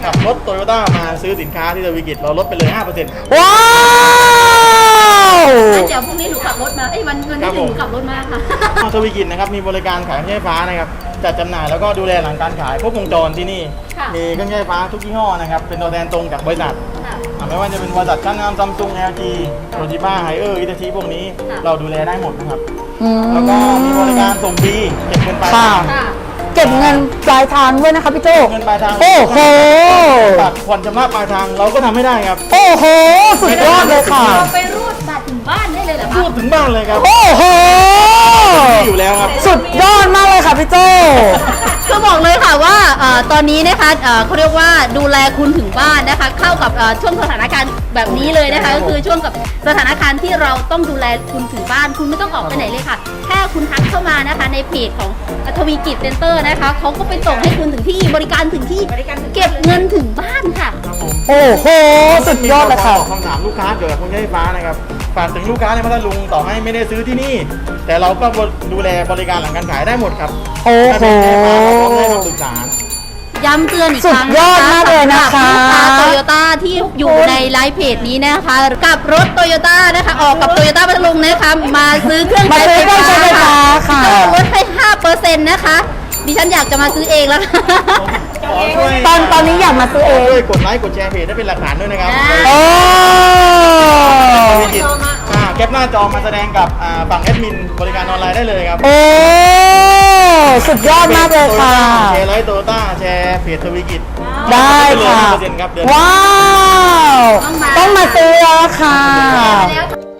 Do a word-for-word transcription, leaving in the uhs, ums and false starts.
ขับรถโตโยต้ามาซื้อสินค้าที่ทวีกิจเราลดไปเลย ห้าเปอร์เซ็นต์ว้าวงั้นเดี๋ยวพรุ่งนี้หนูขับรถมาเอ้ยวันวันนี้ถึงหนูขับรถมาค่ะทวีกิจนะครับมีบริการขายเครื่องใช้ไฟฟ้านะครับจัดจำหน่ายแล้วก็ดูแลหลังการขายครบวงจรที่นี่ค่ะมีเครื่องใช้ไฟฟ้าทุกยี่ห้อนะครับเป็นตัวแทนตรงจากบริษัทค่ะอ่ะไม่ว่าจะเป็นบริษัทชั้นนำซัมซุง แอล จี โตชิบ้า ไฮเออร์ อิตาชิพวกนี้ค่ะเราดูแลได้หมดนะครับอืมแล้วก็มีบริการส่งฟรีเก็บเงินปลายทางค่ะเก็บเงินปลายทางด้วยนะคะพี่โจเงินปลายทางโอ้โหบัตรผ่อนชำระปลายทางเราก็ทำไม่ได้ครับโอ้โห สุดยอดเลยค่ะเราไปรูดบัตรถึงบ้านได้เลยเหรอพูคะดถึงบ้านเลยครับโอ้โหมีอยู่แล้วครับสุดยอดมากเลยค่ะพี่โจก็บอกเลยค่ะว่าเอ่อตอนนี้นะคะเอ่อเขาเรียกว่าดูแลคุณถึงบ้านนะคะ เข้ากับเอ่อช่วงสถานการณ์แบบนี้เลยนะคะ ก็คือช่วงกับสถานการณ์ที่เราต้องดูแลคุณถึงบ้าน คุณไม่ต้องออกไปไหนเลยค่ะ แค่คุณทักเข้ามานะคะในเพจของทวีกิจเซ็นเตอร์นะคะเขาก็ไปส่งให้คุณถึงที่บริการถึงที่เก็บเงินถึงบ้านค่ะโอ้โห สุดยอดเลยค่ะมีคำถามลูกค้าเกี่ยวกับเครื่องใช้ไฟฟ้านะครับฝากถึงลูกค้าในพัทลุงต่อให้ไม่ได้ซื้อที่นี่ แต่เราก็ดูแลบริการหลังการขายได้หมดครับโอ้โหถ้าเป็นเครื่องใช้ไฟฟ้าเราก็ให้คำปรึกษาย้ำเตือนอีกครั้งสุดยอดมากเลยนะคะสำหรับลูกค้าโตโยต้าที่อยู่ในไลฟ์เพจนี้นะคะ กับรถโตโยต้านะคะ ออกกับโตโยต้าพัทลุงนะคะ มาซื้อเครื่องมาซื้อเครื่องใช้ไฟฟ้าค่ะลดให้ ห้าเปอร์เซ็นต์ นะคะ ดิฉันอยากจะมาซื้อเองแล้วค่ะขอช่วยตอนตอนนี้อยากมาซื้อเองช่วยกดไลค์กดแชร์เพจได้เป็นหลักฐานด้วยนะครับอ่าโอ้ธุรกิจอ่าแคปหน้าจอมาแสดงกับอ่าฝั่งแอดมินบริการออนไลน์ได้เลยครับโอ้ สุดยอดมากเลยค่ะแชร์ไลฟ์โตโยต้าแชร์เพจทวีกิจได้ค่ะห้าเปอร์เซ็นต์ครับเดือนว้าว ต้องมาซื้อแล้วค่ะแล้ว